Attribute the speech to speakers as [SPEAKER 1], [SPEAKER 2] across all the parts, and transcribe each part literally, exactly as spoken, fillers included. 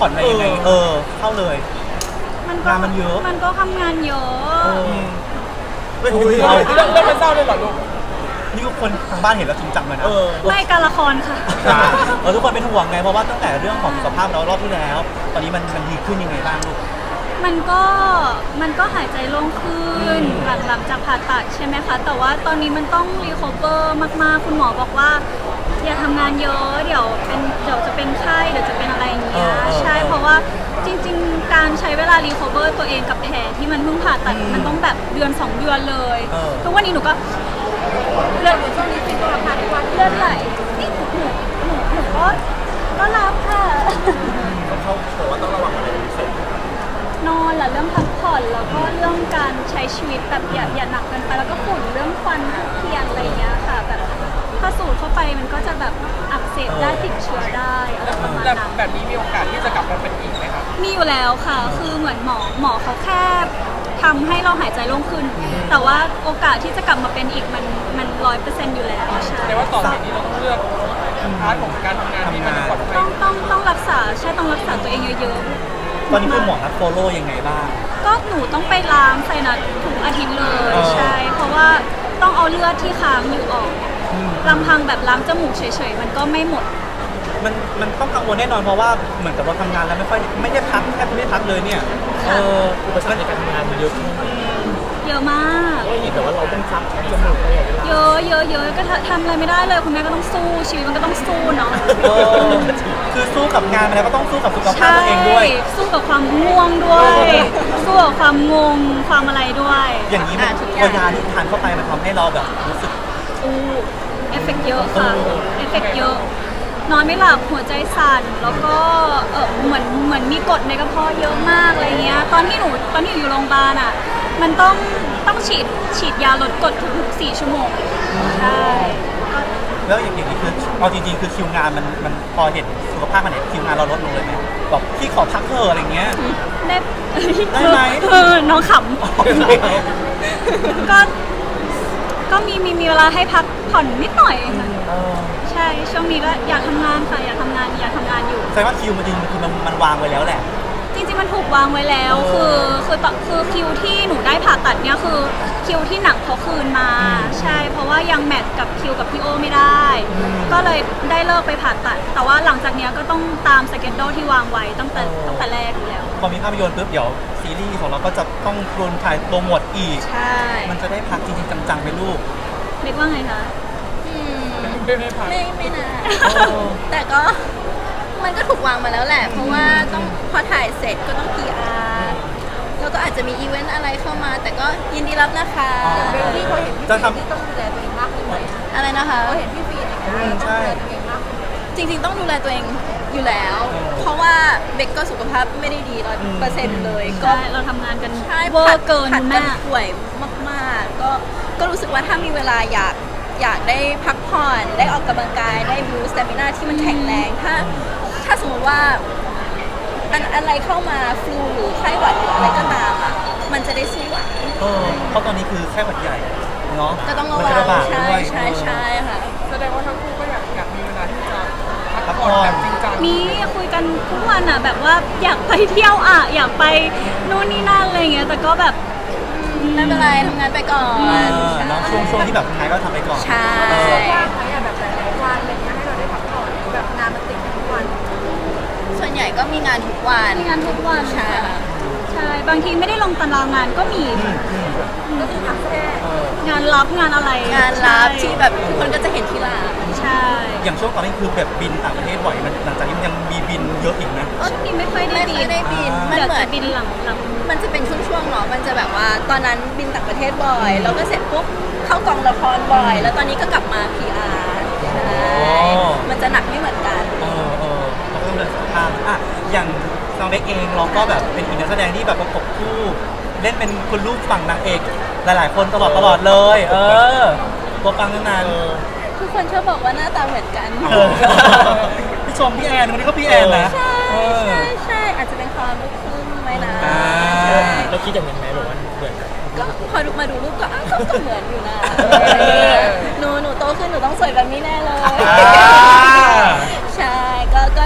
[SPEAKER 1] ผ่อนอะไรยังไงเออเข้าเลย
[SPEAKER 2] มันก็
[SPEAKER 1] งานมันเยอะ
[SPEAKER 2] มันก็ทำงานเยอะ
[SPEAKER 1] ไม่ถูก
[SPEAKER 3] เรื่องเรื่องมันเศร้าเลยเหรอลูก
[SPEAKER 1] นี่คนทางบ้านเห็นแล้วจริงจังเลยนะ
[SPEAKER 2] ไม่การละครค่ะ
[SPEAKER 1] เออทุกคนเป็นห่วงไงเพราะว่าตั้งแต่เรื่องของสุขภาพเรารอบที่แล้ว ตอนนี้มันมันดีขึ้นยังไงบ้างลูก
[SPEAKER 2] มันก็มันก็หายใจโล่งขึ้นหลังหลังจากผ่าตัดใช่ไหมคะแต่ว่าตอนนี้มันต้องรีคอเวอร์มากๆคุณหมอบอกว่าอย่าทำงานเยอะเดี๋ยวเป็นเดี๋ยวจะเป็นไข้เดี๋ยวจะเป็นอะไรอย่างเงี้ยใช่เพราะว่าจริงๆการใช้เวลารีคอเวอร์ตัวเองกับแผลที่มันเพิ่งผ่าตัดมันต้องแบบเดือนสองเดือนเลยทุกวันนี้หนูก็เลือดช่วงนี้เป็นตัวผ่าทุกวันเลือดไหลนี่หนูหนูหนูหนูก็ก็รับค่ะ
[SPEAKER 3] เขาบอกว่าต้องระวังอะไรเป็นพิเศษ
[SPEAKER 2] นอนแหละเรื่องพักผ่อนแล้วก็เรื่องการใช้ชีวิตแบบอย่าอย่าหนักเกินไปแล้วก็ฝุ่นเรื่องควันเทียนอะไรอย่างเงี้ยค่ะแบบถ้าสูดเข้าไปมันก็จะแบบอักเสบได้ติดเชื้อได้อะไรประมาณนั้น
[SPEAKER 3] แบบนี้มีโอกาสที่จะกลับมาเป็นอีกไหมครับ
[SPEAKER 2] มีอยู่แล้วค่ะคือเหมือนหมอหมอเขาแค่ทำให้เราหายใจโล่งขึ้นแต่ว่าโอกาสที่จะกลับมาเป็นอีกมันมันร้อยเปอร์เซ็นต์อยู่แล้วใช่
[SPEAKER 3] แต่ว่าต่อไปนี้เราต้องเลือกพาร์ทของการทำงานที่มันปลอดภัย
[SPEAKER 2] ต้องต้องต้องรักษาใช่ต้องรักษาตัวเองเยอะๆ
[SPEAKER 1] ตอนนี้คุณหมอนัดโฟโล่ยังไงบ้าง
[SPEAKER 2] ก็หนูต้องไปล้างไซนัสทุกอาทิตย์เลยใช่เพราะว่าต้องเอาเลือดที่ค้างอยู่ออกลำพังแบบล้างจมูกเฉยๆมันก็ไม่หมด
[SPEAKER 1] มันมันต้องกังวลแน่นอนเพราะว่าเหมือนกับเราทำงานแล้วไม่ค่อยไม่ได้พักแทบไม่ได้พักเลยเนี่ยเออ
[SPEAKER 3] อุปสรรคในการทำงานมันเยอะขึ้น
[SPEAKER 2] เยอะมาก
[SPEAKER 3] แต่ว่าเราต้องซักจมูกตลอดเวลา
[SPEAKER 2] เยอะเยอะเยอะก็ทำอะไรไม่ได้เลยคุณแม่ก็ต้องสู้ชีวิตมันก็ต้องสู้เนาะ
[SPEAKER 1] คือสู้กับงานแล้วก็ต้องสู้กับสุขภาพตัวเองด้วย
[SPEAKER 2] สู้กับความง่วงด้วยสู้กับความงงความอะไรด้วย
[SPEAKER 1] อย่างนี้มันพอยาที่ทานเข้าไปมันทำให้เราแบบรู้สึก
[SPEAKER 2] อู้เอฟเฟกต์เยอะค่ะเอฟเฟกต์เยอะนอนไม่หลับหัวใจสั่นแล้วก็เออเหมือนเหมือนมีกรดในกระเพาะเยอะมากอะไรเงี้ยตอนที่หนูตอนที่อยู่โรงพยาบาลอ่ะมันต้องต้องฉีดฉีดยาลดกรดทุกๆสี่ชั่วโมงใช่
[SPEAKER 1] แล้วอย่างนี้คือเอาจริงๆคือคิวงานมันมันพอเห็นสุขภาพมันเนี่ยคิวงานเราลดลงเลยไหมแบบพี่ขอพักเถอะอะไรเงี้ย
[SPEAKER 2] ได้
[SPEAKER 1] ได้ไหม
[SPEAKER 2] เออน้องขำก็ก็มีมีมีเวลาให้พักผ่อนนิดหน่อยค่ะใช่ช่วงนี้ก็อยากทำงานค่ะอยากทำงานอยากทำงานอยู่
[SPEAKER 1] แสดงว่าคิวมันจริงคือมันมันวางไว้แล้วแหละ
[SPEAKER 2] จริงๆมันถูกวางไว้แล้วคือคือต่อคือคิวที่หนูได้ผ่าตัดเนี่ยคือคิวที่หนังเขาคืนมาใช่เพราะว่ายังแมทกับคิวกับพี่โอไม่ได้ก็เลยได้เลิกไปผ่าตัดแต่ว่าหลังจากนี้ก็ต้องตามสเกจโดที่วางไว้ตั้งแต่ตั้งแต่แรกอยู่แล้ว
[SPEAKER 1] พอมีภาพยนตร์ปุ๊บเดี๋ยวซีรีส์ของเราก็จะต้องโดนถ่ายโปรโมทอีก
[SPEAKER 2] ใช่
[SPEAKER 1] มันจะได้พักจริงๆจังๆไปลูก
[SPEAKER 2] เด็กว่าไงคะ
[SPEAKER 3] ไม่ไม่พัก
[SPEAKER 4] ไม่ไม่นะแต่ก็มันก็ถูกวางมาแล้วแหละเพราะว่าต้องพอถ่ายเสร็จก็ต้อง พี อาร์ แล้วก็อาจจะมีอีเวนต์อะไรเข้ามาแต่ก็ยินดีรับนะคะ
[SPEAKER 3] เบลลี่เขาเห็นพี่ฟีที่ต้องดูแลตัวเองมากขึ้นไหม
[SPEAKER 4] อะไรนะคะ
[SPEAKER 3] เขาเห็นพี่ฟีในการต้องดูแลตัวเองมาก
[SPEAKER 4] จริงๆต้องดูแลตัวเองอยู่แล้วเพราะว่าเบกก็สุขภาพไม่ได้ดีร้อยเปอร์เซ็นต์เลย
[SPEAKER 2] ก็เราทำงานกัน
[SPEAKER 4] เวอร์เกินมากป่วยมากๆก็ก็รู้สึกว่าถ้ามีเวลาอยากอยากได้พักผ่อนได้ออกกำลังกายได้บูสต์สเตมินาที่มันแข็งแรงถ้าถ้าสมมติว่าอันอะไรเข้ามาฟลูหรือไข้หวัดหรืออะไรก็ตามอ่ะมันจะได้สู้ไหว
[SPEAKER 1] เออเพราะตอนนี้คือไข้หวัดใหญ่เนาะ
[SPEAKER 4] ก็ต้องระวังใช่ใช่ใช่ค่ะ
[SPEAKER 3] แสดงว่าทั้งคู่ก็อยากอยากมีเวลาที่จะพักผ่อนแบบจริงจัง
[SPEAKER 2] มีคุยกันทุกวันอ่ะแบบว่าอยากไปเที่ยวอ่ะอยากไปนู่นนี่นั่นอะไรเงี้ยแต่ก็แบบ
[SPEAKER 4] ไม่เป็นไรทำงานไปก่อน
[SPEAKER 1] เนาะช่วงช่วงที่แบบทำงานก็ทำไปก่อน
[SPEAKER 4] ใช่
[SPEAKER 3] ยากไหมอะแบบหลายๆวันอะไรเงี้ยให้เราได้พักผ่อนแบบงานมันติดทุกวัน
[SPEAKER 4] ส่วนใหญ่ก็มีงานทุกวัน
[SPEAKER 2] มีงานทุกวัน
[SPEAKER 4] ใช่
[SPEAKER 2] ใช่บางทีไม่ได้ลงตารางงานก็มี
[SPEAKER 3] ก็คือพักแค่
[SPEAKER 2] งานรับงานอะไร
[SPEAKER 4] งานรับที่แบบทุกคนก็จะเห็นที่ร้าน
[SPEAKER 2] ใช่
[SPEAKER 1] อย่างช่วงตอนนี้คือแบบบินต่างประเทศบ่อยมันหลังจากนี้มันยังมีบินเยอะอีกนะ
[SPEAKER 2] ช่วงนี้ไม่ค่อยได้บิน
[SPEAKER 4] ไม่ได้บิน
[SPEAKER 2] มันเหมือนบินหลังหลัง
[SPEAKER 4] มันจะเป็นช่วงๆเนาะมันจะแบบว่าตอนนั้นบินต่างประเทศบ่อยแล้วก็เสร็จปุ๊บเข้ากองละครบ่อยแล้วตอนนี้ก็กลับมา พี อาร์ ใช่มันจะหนักไม่เหมือนกัน
[SPEAKER 1] เออเออเราก็ต้องเดินทางอ่ะอย่างน้องเบคเองเราก็แบบเป็นอีกนักแสดงที่แบบประกบคู่เล่นเป็นคุณลูกฝั่งนางเอกหลายๆคนตลอดตลอดเลยเออตัวฟังนาน
[SPEAKER 4] ๆทุกคนชอบบอกว่าหน้าตาเหมือนกัน
[SPEAKER 1] พี่ชมพี่แอนคนนี้ก็พี่แอนนะ
[SPEAKER 4] ใช่ใช่ใช่อาจจะเป็นความลูกครึ่งไหมนะ
[SPEAKER 3] เราคิดอย่างนั้นไหมแบบว่าเหมือน
[SPEAKER 4] ก็พอดูมาดูรูปก็อ้าวก็เหมือนอยู่นะหนูหนูโตขึ้นหนูต้องสวยแบบนี้แน่เลยใช่ก็ก็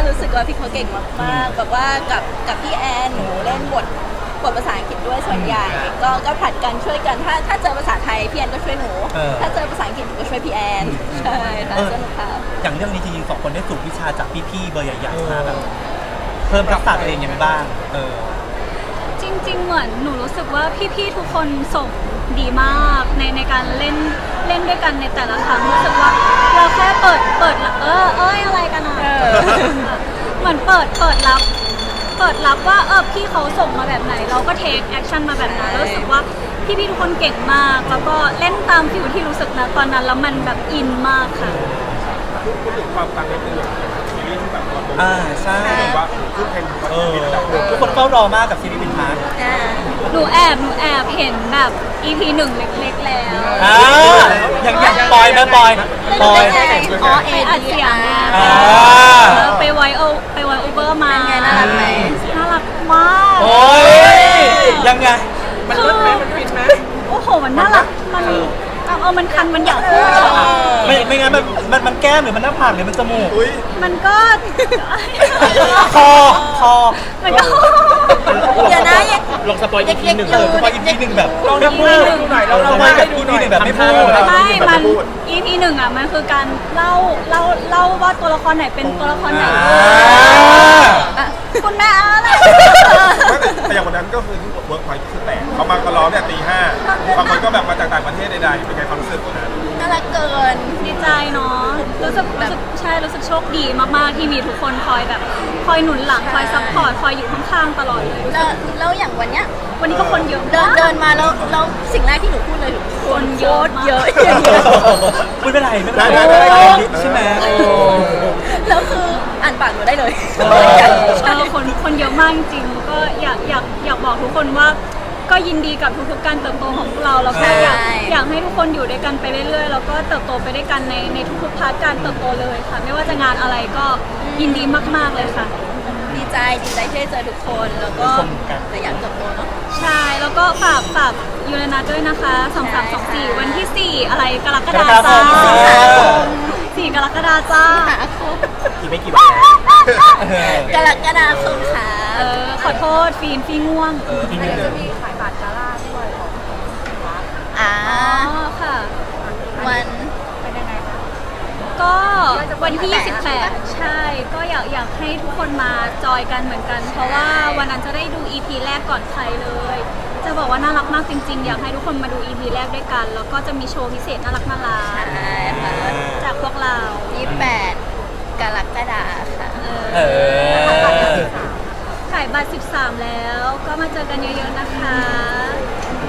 [SPEAKER 4] รู้สึกว่าพี่เขาเก่งมากๆแบบว่ากับกับพี่แอนหนูเล่นบทบทภาษาอังกฤษด้วยส่วนใหญ่ ก็ก็ผลัดกันช่วยกันถ้าถ้าเจอภาษาไทยพี่แอนก็ช่วยหนู
[SPEAKER 1] เออ
[SPEAKER 4] ถ้าเจอภาษาอังกฤษหนูก็ช่วยพี่แอนใช่ค่ะ
[SPEAKER 1] เออ
[SPEAKER 4] สนุกค่ะ
[SPEAKER 1] อย่างเรื่องนี้จริงๆสองคนได้สูบวิชาจากพี่ๆเบอร์ใหญ่ๆมาแบบเพิ่มทักษะตัวเองยังไงบ้าง เออ
[SPEAKER 2] จริง ๆ เหมือนหนูรู้สึกว่าพี่ๆทุกคนส่งดีมากในในการเล่นเล่นด้วยกันในแต่ละครั้งรู้สึกว่าเราแค่เปิดเปิดเออเอ้ยอะไรกันอ่ะ
[SPEAKER 4] เออ
[SPEAKER 2] เหมือนเปิดเปิดรับ เปิดรับว่าเออพี่เขาส่งมาแบบไหน เราก็เทคแอคชั่นมาแบบนั้นแล้วรู้สึกว่าพี่ๆทุกคนเก่งมาก แล้วก็เล่นตามฟิวที่รู้สึกนะตอนนั้นแล้วมันแบบอินมากค่ะ
[SPEAKER 5] พูดถึงความปังในตัวซีรีส์ที่แบบว่า
[SPEAKER 1] อ่าใช่
[SPEAKER 5] แบบว่าพูดเพลง
[SPEAKER 1] เออ
[SPEAKER 5] ระดับหนึ่ง
[SPEAKER 1] ทุกคนเฝ้ารอมากกับซีรีส์บินพาร์ท
[SPEAKER 4] อ่า
[SPEAKER 2] หนูแอบหนูแอบเห็นแบบ อี พี หนึ่งเล็กๆแล้ว
[SPEAKER 1] อ่าอย่างอย่างปอยไหมปอยปอย
[SPEAKER 4] อ๋อเอ
[SPEAKER 2] ไปอัดเสียงมา
[SPEAKER 1] อ่า
[SPEAKER 2] เออไปไวโอไปไวโอเวอร์มา
[SPEAKER 4] เป็นไงน่ารักไหม
[SPEAKER 2] น่ารักมาก
[SPEAKER 1] โอ้ยยังไง
[SPEAKER 2] มันรถไหมมันฟินไหมโอ้โห มันน่ารัก มันเอาเอามันคัน มันอยากพูดอะ
[SPEAKER 1] ไม่ไม่งั้นมันมันมันแก้มหรือมันหน้าผากหรือมันจมูก
[SPEAKER 5] อุ้ย
[SPEAKER 2] มันก็
[SPEAKER 1] คอคอ
[SPEAKER 2] มันก็
[SPEAKER 4] เดี๋ยวนะยัง
[SPEAKER 5] ลองสปอยอีกทีหนึ่ง
[SPEAKER 1] เออสปอยอีพีหนึ่งแบบ
[SPEAKER 5] ลองทำมือดูหน่อยลอง
[SPEAKER 1] ทำ
[SPEAKER 5] ทำ
[SPEAKER 1] ไม
[SPEAKER 5] มือ
[SPEAKER 1] กั
[SPEAKER 5] ให้
[SPEAKER 1] บ
[SPEAKER 5] ดู
[SPEAKER 1] อี
[SPEAKER 5] ห
[SPEAKER 1] พี
[SPEAKER 5] น่อย
[SPEAKER 1] หนึ่งแบบไม่พูด
[SPEAKER 2] ไม่ มัน อี พี หนึ่งอ่ะ มันคือการเล่า เล่า เล่าว่าตัวละครไหนเป็นตัวละครไหน
[SPEAKER 1] อ่า
[SPEAKER 2] อ่ะคุณแม่อะไร
[SPEAKER 5] แต่อย่างวันนั้นก็คือที่เวิร์กพอยต์คือแตกเขามาก็ร้องเนี่ยตีห้าบางคนก็แบบมาจากต่างประเทศใดๆเป็นไงความรู้สึกวันนั้น
[SPEAKER 4] น่ารักเกิน
[SPEAKER 2] ดีใจเนาะ รู้สึกรู้สึกใช่ รู้สึกโชคดีมากๆ ที่มีทุกคนคอยแบบ คอยหนุนหลัง คอยซัพพอร์ต คอยอยู่ข้างๆ ตลอดเลยรู้
[SPEAKER 4] แล้
[SPEAKER 2] สึ
[SPEAKER 4] ว
[SPEAKER 2] ก
[SPEAKER 4] แล้วอย่างวันเนี้ย
[SPEAKER 2] วันนี้ก็คนเยอะ
[SPEAKER 4] เดิน
[SPEAKER 2] มาก
[SPEAKER 4] เดินมาแล้วแล้วสิ่งแรกที่หนูพูดเลยคือ
[SPEAKER 2] คนเยอะมาก
[SPEAKER 4] เยอะอย่างเงี้ย
[SPEAKER 1] ไม่เป็นไรไม่เป็นไร
[SPEAKER 5] ได้ได้ได้
[SPEAKER 1] ใช่ไหมโอ้
[SPEAKER 4] แล้วคืออ่านปากหนูได้เลย
[SPEAKER 1] เออ
[SPEAKER 2] เออคนคนเยอะมากจริงๆก็อยากอยากอยากบอกทุกคนว่า ก็ยินดีกับทุกๆการเติบโตของพวกเราแล้วก็อยากอยากให้ทุกคนอยู่ด้วยกันไปเรื่อยๆแล้วก็เติบโตไปด้วยกันในในทุกๆพาร์ทการเติบโตเลยค่ะ ไม่ว่าจะงานอะไรก็ยินดีมากๆเลยค่ะ
[SPEAKER 4] ดีใจดีใจที่ได้เจอทุกคนแล้วก็แต่อยากเติบโตเนาะ
[SPEAKER 2] ใช่แล้วก็ฝากฝากยูเรนัสด้วยนะคะสองสามสองสี่วันที่สี่อะไรกรกฎาจ้าสี่กรกฎาจ้า
[SPEAKER 4] หาคม
[SPEAKER 1] อีกไม่กี่วันแล้วเออก
[SPEAKER 4] รกฎาคมค่ะ
[SPEAKER 2] เออขอโทษฟีนฟีง่วง
[SPEAKER 1] เอออีก
[SPEAKER 3] อัน
[SPEAKER 1] นิด
[SPEAKER 3] นี้
[SPEAKER 1] นึ
[SPEAKER 3] จะ
[SPEAKER 1] ง
[SPEAKER 3] มีขายบัตรกาล่าด้วยของวัด
[SPEAKER 4] อ่า
[SPEAKER 2] อ๋อค่ะ
[SPEAKER 4] วัน
[SPEAKER 3] เป็นยังไงคะ
[SPEAKER 2] ก็วันที่ยี่สิบแปดใช่ ก็อยากอยากให้ทุกคนมาจอยกันเหมือนกัน เพราะว่าวันนั้นจะได้ดู อี พี แรกก่อนใครเลย จะบอกว่าน่ารักมากจริงๆ อยากให้ทุกคนมาดู อี พี แรกด้วยกัน แล้วก็จะมีโชว์พิเศษน่ารักน่ารัก
[SPEAKER 4] ใช่ค่ะ
[SPEAKER 2] จากพวกเรา
[SPEAKER 4] ยี่สิบแปดกรกฎาค่ะ
[SPEAKER 1] เออ
[SPEAKER 2] ขายบัตรสิบสามแล้ว ก็มาเจอกันเยอะๆนะคะ